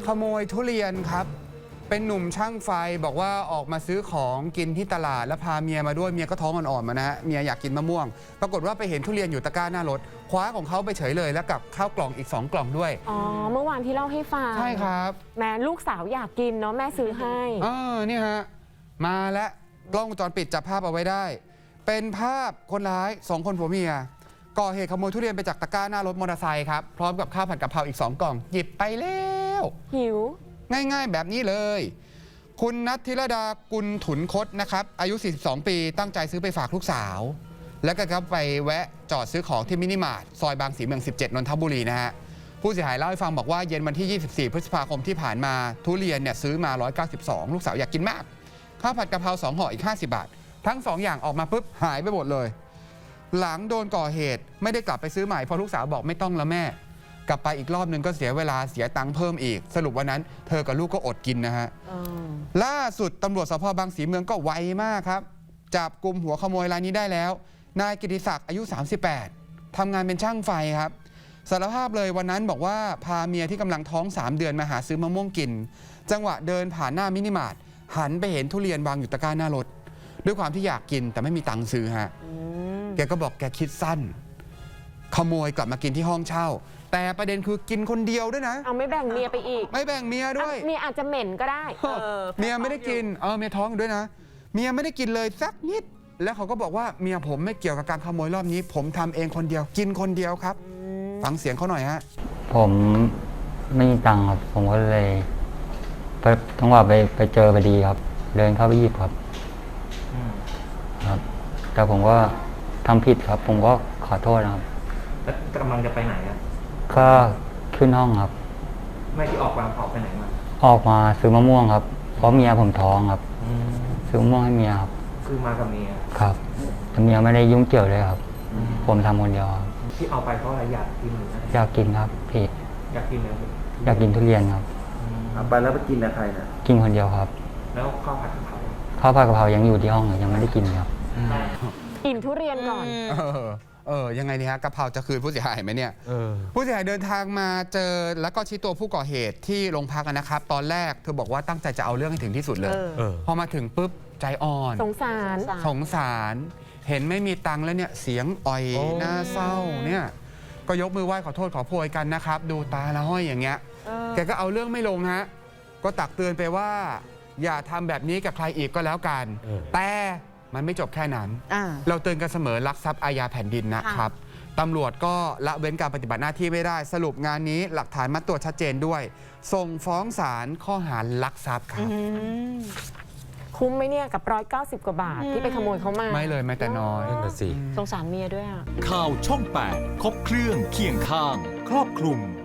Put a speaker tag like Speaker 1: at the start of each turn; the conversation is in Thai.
Speaker 1: ขโมยทุเรียนครับเป็นหนุ่มช่างไฟบอกว่าออกมาซื้อของกินที่ตลาดแล้วพาเมียมาด้วยเมียก็ท้องอ่อนๆมานะฮะเมียอยากกินมะม่วงปรากฏว่าไปเห็นทุเรียนอยู่ตะกร้าหน้ารถคว้าของเขาไปเฉยเลยแล้วกับข้าวกล่องอีก2กล่องด้วย
Speaker 2: อ๋อเมื่อวานที่เล่าให้ฟัง
Speaker 1: ใช่ครับ
Speaker 2: แม่ลูกสาวอยากกินเนาะแม่ซื้อให้
Speaker 1: นี่ฮะมาและกล้องวงจรปิดจับภาพเอาไว้ได้เป็นภาพคนร้าย2คนผัวเมียก่อเหตุขโมยทุเรียนไปจากตะกร้าหน้ารถมอเตอร์ไซค์ครับพร้อมกับข้าวผัดกะเพราอีก2กล่องหยิบไปแล้ว
Speaker 2: หิว
Speaker 1: ง่ายๆแบบนี้เลยคุณนัทธิรดากุลถุนคดนะครับอายุ 42 ปีตั้งใจซื้อไปฝากลูกสาวแล้วก็ไปแวะจอดซื้อของที่มินิมาร์ทซอยบางสีเมือง 17 นนทบุรีนะฮะผู้เสียหายเล่าให้ฟังบอกว่าเย็นวันที่ 24 พฤษภาคมที่ผ่านมาทุเรียนเนี่ยซื้อมา 192 ลูกสาวอยากกินมากข้าวผัดกะเพรา2ห่ออีก50 บาททั้ง2อย่างออกมาปุ๊บหายไปหมดเลยหลังโดนก่อเหตุไม่ได้กลับไปซื้อใหม่เพราะลูกสาวบอกไม่ต้องแล้วแม่กลับไปอีกรอบนึงก็เสียเวลาเสียตังค์เพิ่มอีกสรุปวันนั้นเธอกับลูกก็อดกินนะฮะล่าสุดตำรวจสภ.บางสีเมืองก็ไวมากครับจับกลุ่มหัวขโมยรายนี้ได้แล้วนายกิติศักดิ์อายุ 38ทำงานเป็นช่างไฟครับสารภาพเลยวันนั้นบอกว่าพาเมียที่กำลังท้อง3 เดือนมาหาซื้อมะม่วงกินจังหวะเดินผ่านหน้ามินิมาร์ทหันไปเห็นทุเรียนวางอยู่ตะกร้าหน้ารถด้วยความที่อยากกินแต่ไม่มีตังค์ซื้อฮะแกก็บอกแกคิดสั้นขโมยกลับมากินที่ห้องเช่าแต่ประเด็นคือกินคนเดียวด้วยนะ
Speaker 2: เอาไม่แบ่งเมียไปอีก
Speaker 1: ไม่แบ่งเมียด้วย
Speaker 2: เมียอาจจะเหม็นก็ได้
Speaker 1: เมียไม่ได้กินเมียท้องด้วยนะเมียไม่ได้กินเลยสักนิดแล้วเขาก็บอกว่าเมียผมไม่เกี่ยวกับการขโมยรอบนี้ผมทำเองคนเดียวกินคนเดียวครับฟังเสียงเขาหน่อยฮะ
Speaker 3: ผมไม่มีตังค์ครับผมก็เลยจังหวะไปเจอพอดีครับเดินเข้าไปหยิบครับแต่ผมก็ทำผิดครับผมก็ขอโทษนะครับ
Speaker 4: แล้วกำลังจะไปไหนครับ
Speaker 3: ก็ขึ้นห้องครับ
Speaker 4: ไม่ที่ออกไปไหนมา
Speaker 3: ออกมาซื้อมะม่วงครับเพราะเมียผมท้องครับซื้อมะม่วงให้เมียครับ
Speaker 4: ซื้อมากับเมีย
Speaker 3: ครับแต่เมียไม่ได้ยุ่งเกี่ยวเลยครับผมทำคนเดียวครับ
Speaker 4: ที่เอาไปเพราะอะไรอยากกินหรือ
Speaker 3: อยากกินครับพี่
Speaker 4: อยากกินอะไร
Speaker 3: อยากกินทุเรียนครับ
Speaker 4: เอาไปแล้วไปกินกับใครนะ
Speaker 3: กินคนเดียวครับ
Speaker 4: แล้วข้าวผัดกะเพรา
Speaker 3: ยังอยู่ที่ห้องยังไม่ได้กินครับ
Speaker 2: กินทุเรียนก่อน
Speaker 1: ยังไงนี่ฮะกะเพราจะคืนผู้เสียหายไหมเนี่ยผู้เสียหายเดินทางมาเจอแล้วก็ชี้ตัวผู้ก่อเหตุที่โรงพักนะครับตอนแรกเธอบอกว่าตั้งใจจะเอาเรื่องให้ถึงที่สุดเลยพอมาถึงปุ๊บใจอ่อน
Speaker 2: สงสาร
Speaker 1: เห็นไม่มีตังค์แล้วเนี่ยเสียงอ่อยหน้าเศร้าเนี่ยก็ยกมือไหว้ขอโทษขอโพยกันนะครับดูตาละห้อยอย่างเงี้ยแกก็เอาเรื่องไม่ลงฮะก็ตักเตือนไปว่าอย่าทำแบบนี้กับใครอีกก็แล้วกันแต่มันไม่จบแค่นั้นเราเตือนกันเสมอลักทรัพย์อาญาแผ่นดินนะครับตำรวจก็ละเว้นการปฏิบัติหน้าที่ไม่ได้สรุปงานนี้หลักฐานมัดตัวชัดเจนด้วยส่งฟ้องศาลข้อหาลักทรัพย์ครับ
Speaker 2: คุ้มไหมเนี่ยกับ190 กว่าบาทที่ไปขโมยเขามา
Speaker 1: ไม่เลยแม้แต่น้อย
Speaker 5: นั่นสิ
Speaker 2: สงสารเมียด้วย
Speaker 5: ข่าวช่อง 8 ครบเครื่องเคียงข้างครอบคลุม